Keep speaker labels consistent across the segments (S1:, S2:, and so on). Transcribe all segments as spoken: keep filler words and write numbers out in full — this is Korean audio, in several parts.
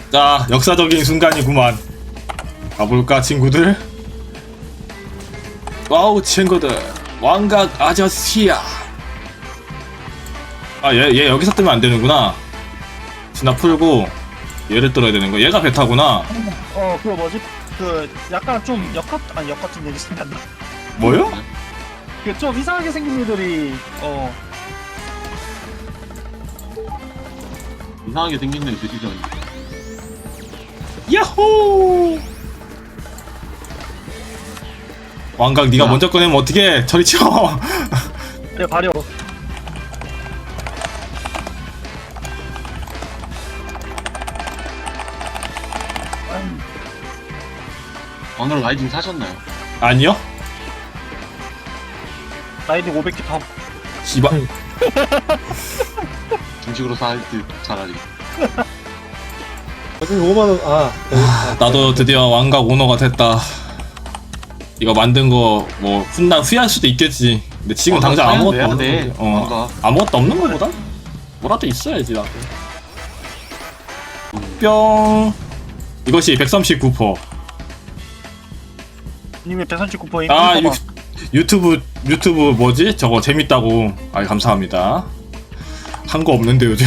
S1: 자, 역사적인 순간이구만. 가볼까 친구들? 와우 친구들, 왕각 아저씨야. 아, 얘, 얘 여기서 뜨면 안 되는구나. 진화 풀고 얘를 뚫어야 되는 거. 얘가 베타구나.
S2: 어 그거 뭐지? 그 약간 좀 역같 아니 역 같은 얘기 생각나.
S1: 뭐요?
S2: 그 좀 이상하게 생긴 애들이 어
S3: 이상하게 생긴 애는 돼지잖아.
S1: 야호! 왕각 네가
S3: 야.
S1: 먼저 꺼내면 어떡해? 저리 치워.
S2: 내 발효.
S3: 오늘 라이딩 사셨나요?
S1: 아니요?
S2: 라이딩 오백 개 탑.
S1: 씨발.
S3: 중식으로 살 듯 차라리.
S4: 어차피 오만 원. 아,
S1: 나도 드디어 왕각 오너가 됐다. 이거 만든 거 뭐 훗날 후회할 수도 있겠지. 근데 지금
S3: 어,
S1: 당장
S3: 나
S1: 아무것도
S3: 사야
S1: 없는
S3: 돼.
S1: 거지. 어,
S3: 왕각.
S1: 아무것도 없는 거보다 뭐라도 있어야지 나도. 뿅. 이것이 백삼십구 퍼센트.
S2: 님의 백삼십구 퍼센트.
S1: 아 유, 유튜브 유튜브 뭐지? 저거 재밌다고. 아 감사합니다. 한 거 없는데 요즘.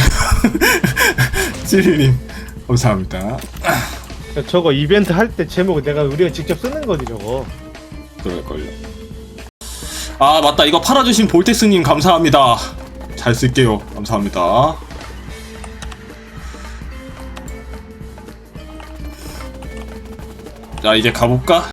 S1: 찌리님 감사합니다.
S4: 저거 이벤트 할 때 제목 내가 우리가 직접 쓰는 거지 저거.
S1: 그럴걸요. 아 맞다, 이거 팔아주신 볼텍스님 감사합니다. 잘 쓸게요. 감사합니다. 자 이제 가볼까?